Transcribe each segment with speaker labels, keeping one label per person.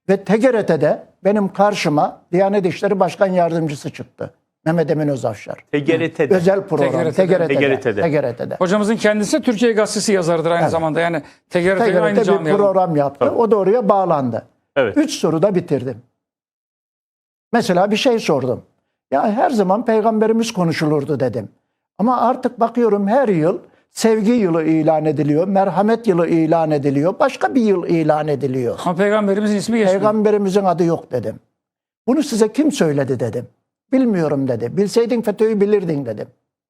Speaker 1: Ve TGRT'de benim karşıma Diyanet İşleri Başkan Yardımcısı çıktı. Mehmet Emin Özafşar.
Speaker 2: TGRT'de.
Speaker 1: Özel program.
Speaker 2: TGRT'de.
Speaker 1: TGRT'de.
Speaker 3: Hocamızın kendisi Türkiye Gazetesi yazarıdır aynı zamanda. Yani TGRT'ye aynı
Speaker 1: TGRT bir
Speaker 3: camiada.
Speaker 1: program yaptı.
Speaker 2: Tabii.
Speaker 1: O da oraya bağlandı.
Speaker 2: Evet.
Speaker 1: 3 soruda bitirdim. Mesela bir şey sordum. Ya her zaman Peygamberimiz konuşulurdu dedim. Ama artık bakıyorum her yıl sevgi yılı ilan ediliyor, merhamet yılı ilan ediliyor, başka bir yıl ilan ediliyor.
Speaker 3: Ama Peygamberimizin ismi geçmiyor.
Speaker 1: Peygamberimizin adı yok dedim. Bunu size kim söyledi dedim. Bilmiyorum dedi. Bilseydin FETÖ'yü bilirdin dedim.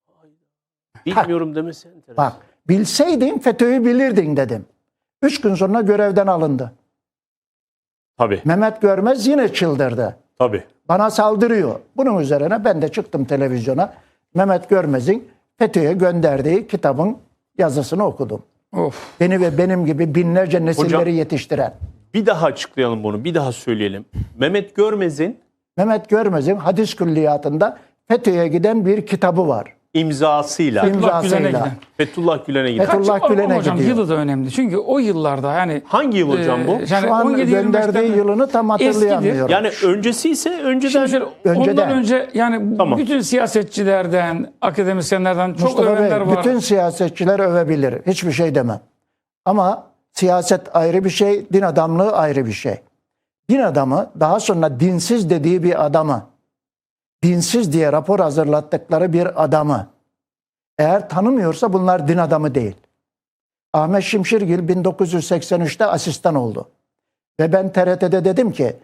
Speaker 2: Bilmiyorum demesi enteresan.
Speaker 1: Bak, bilseydin FETÖ'yü bilirdin dedim. 3 gün sonra görevden alındı.
Speaker 2: Tabii.
Speaker 1: Mehmet Görmez yine çıldırdı.
Speaker 2: Tabii.
Speaker 1: Bana saldırıyor. Bunun üzerine ben de çıktım televizyona. Mehmet Görmez'in FETÖ'ye gönderdiği kitabın yazısını okudum.
Speaker 3: Of.
Speaker 1: Beni ve benim gibi binlerce nesilleri
Speaker 2: Hocam-
Speaker 1: yetiştiren.
Speaker 2: Bir daha açıklayalım bunu. Bir daha söyleyelim. Mehmet
Speaker 1: Mehmet Görmez'in hadis külliyatında FETÖ'ye giden bir kitabı var.
Speaker 2: imzasıyla
Speaker 3: Fethullah Gülen'e
Speaker 1: İmzasıyla.
Speaker 3: giden.
Speaker 2: Fethullah Gülen'e gider.
Speaker 1: Fethullah
Speaker 3: Kaç-
Speaker 1: Gülen'e
Speaker 3: hocam
Speaker 1: gidiyor.
Speaker 3: yılı da önemli. Çünkü o yıllarda yani
Speaker 2: Hangi yıl hocam bu?
Speaker 3: yani
Speaker 1: Şu an
Speaker 3: 17-25'ten
Speaker 1: gönderdiği yılını tam hatırlayamıyorum.
Speaker 2: Yani öncesi ise önceden
Speaker 3: Şimdi şöyle, ondan
Speaker 1: Önceden.
Speaker 3: önce yani
Speaker 2: Tamam.
Speaker 3: bütün siyasetçilerden, akademisyenlerden çok
Speaker 1: Mustafa
Speaker 3: övenler
Speaker 1: Bey,
Speaker 3: var.
Speaker 1: bütün siyasetçiler övebilir. Hiçbir şey demem. Ama siyaset ayrı bir şey, din adamlığı ayrı bir şey. Din adamı daha sonra dinsiz dediği bir adamı, dinsiz diye rapor hazırlattıkları bir adamı eğer tanımıyorsa bunlar din adamı değil. Ahmet Şimşirgil 1983'te asistan oldu. Ve ben TRT'de dedim ki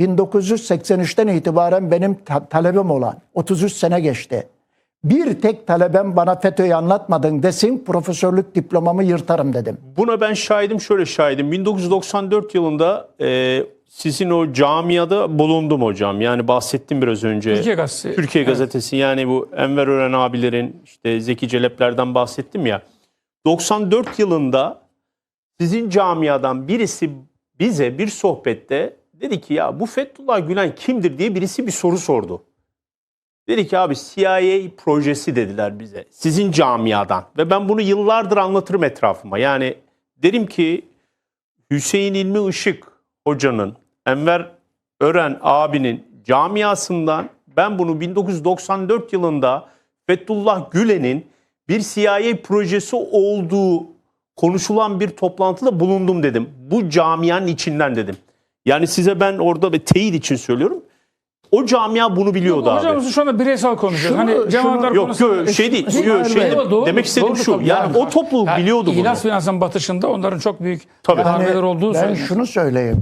Speaker 1: 1983'ten itibaren benim talebim olan 33 sene geçti. Bir tek talebem bana FETÖ'yü anlatmadın desin profesörlük diplomamı yırtarım dedim.
Speaker 2: buna ben şahidim, şöyle şahidim. 1994 yılında sizin o camiada bulundum hocam. Yani bahsettim biraz önce.
Speaker 3: Türkiye Gazetesi.
Speaker 2: Türkiye
Speaker 3: Evet.
Speaker 2: Gazetesi, yani bu Enver Ören abilerin, işte Zeki Celepler'den bahsettim ya. 94 yılında sizin camiadan birisi bize bir sohbette dedi ki ya bu Fethullah Gülen kimdir diye birisi bir soru sordu. Dedi ki abi CIA projesi dediler bize sizin camiadan ve ben bunu yıllardır anlatırım etrafıma. Yani derim ki Hüseyin İlmi Işık hocanın, Enver Ören abinin camiasından ben bunu 1994 yılında Fethullah Gülen'in bir CIA projesi olduğu konuşulan bir toplantıda bulundum dedim. Bu camianın içinden dedim. Yani size ben orada ve teyit için söylüyorum. O camia bunu biliyordu abi.
Speaker 3: Hocam şu anda bireysel konuşuyoruz. Hani cemaatler
Speaker 2: Yok
Speaker 3: konusunda...
Speaker 2: şey değil.
Speaker 1: İsmail
Speaker 2: Şey
Speaker 1: Bey.
Speaker 2: değil.
Speaker 3: Doğru,
Speaker 2: Demek istediğim
Speaker 3: doğru
Speaker 2: şu.
Speaker 3: tabii.
Speaker 2: Yani o topluluk biliyordu bunu.
Speaker 3: İhlas Finans'ın batışında onların çok büyük
Speaker 2: Tabii.
Speaker 3: darbeler olduğu
Speaker 1: Ben
Speaker 3: söyleniyor.
Speaker 1: şunu söyleyeyim.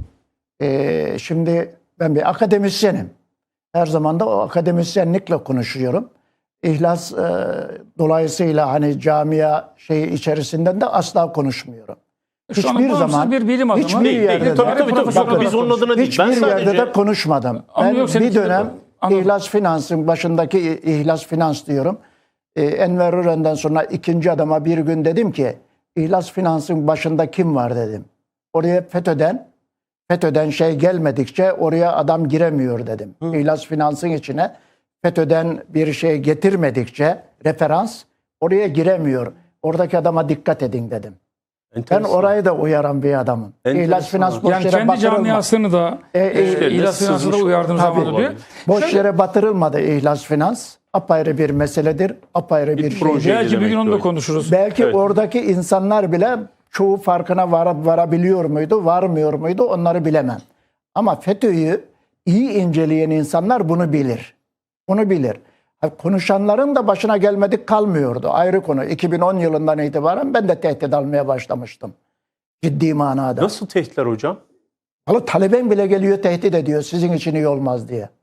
Speaker 1: Şimdi ben bir akademisyenim. Her zaman da o akademisyenlikle konuşuyorum. İhlas dolayısıyla hani camia şeyi içerisinden de asla konuşmuyorum.
Speaker 3: Şu anda
Speaker 1: Hiçbir
Speaker 3: bağımsız
Speaker 1: zaman
Speaker 3: bir bilim adamı.
Speaker 1: hiçbir yerde de,
Speaker 2: Tabii, biz onun adına değil. Ben
Speaker 1: hiçbir yerde
Speaker 2: sadece
Speaker 1: de konuşmadım.
Speaker 3: Ama
Speaker 1: Ben
Speaker 3: yok, seninki
Speaker 1: bir
Speaker 3: de
Speaker 1: dönem
Speaker 3: bu. Anladım.
Speaker 1: İhlas Finans'ın başındaki İhlas Finans diyorum. Enver Ören'den sonra ikinci adama bir gün dedim ki İhlas Finans'ın başında kim var dedim. Oraya FETÖ'den şey gelmedikçe oraya adam giremiyor dedim. İhlas Finans'ın içine FETÖ'den bir şey getirmedikçe referans oraya giremiyor. Oradaki adama dikkat edin dedim. Ben
Speaker 2: enteresan.
Speaker 1: orayı da uyaran bir adamım.
Speaker 2: Enteresan.
Speaker 1: İhlas Finans boş
Speaker 3: Yani
Speaker 1: yere
Speaker 3: kendi
Speaker 1: batırılmadı.
Speaker 3: camiasını da İhlas Finans'ı da
Speaker 2: sızmış
Speaker 3: uyardığım
Speaker 1: Tabii.
Speaker 3: zaman diyor.
Speaker 1: Boş yere batırılmadı İhlas Finans. Apayrı bir meseledir. Apayrı bir
Speaker 2: proje.
Speaker 1: şey.
Speaker 3: Belki bir gün onu da
Speaker 2: Demek
Speaker 3: konuşuruz.
Speaker 1: Belki
Speaker 2: Evet.
Speaker 1: oradaki insanlar bile çoğu farkına varabiliyor muydu, varmıyor muydu onları bilemem. Ama FETÖ'yü iyi inceleyen insanlar bunu bilir. Bunu bilir. Konuşanların da başına gelmedik kalmıyordu. Ayrı konu. 2010 yılından itibaren ben de tehdit almaya başlamıştım. Ciddi manada.
Speaker 2: Nasıl tehditler hocam?
Speaker 1: Vallahi taleben bile geliyor tehdit ediyor sizin için iyi olmaz diye.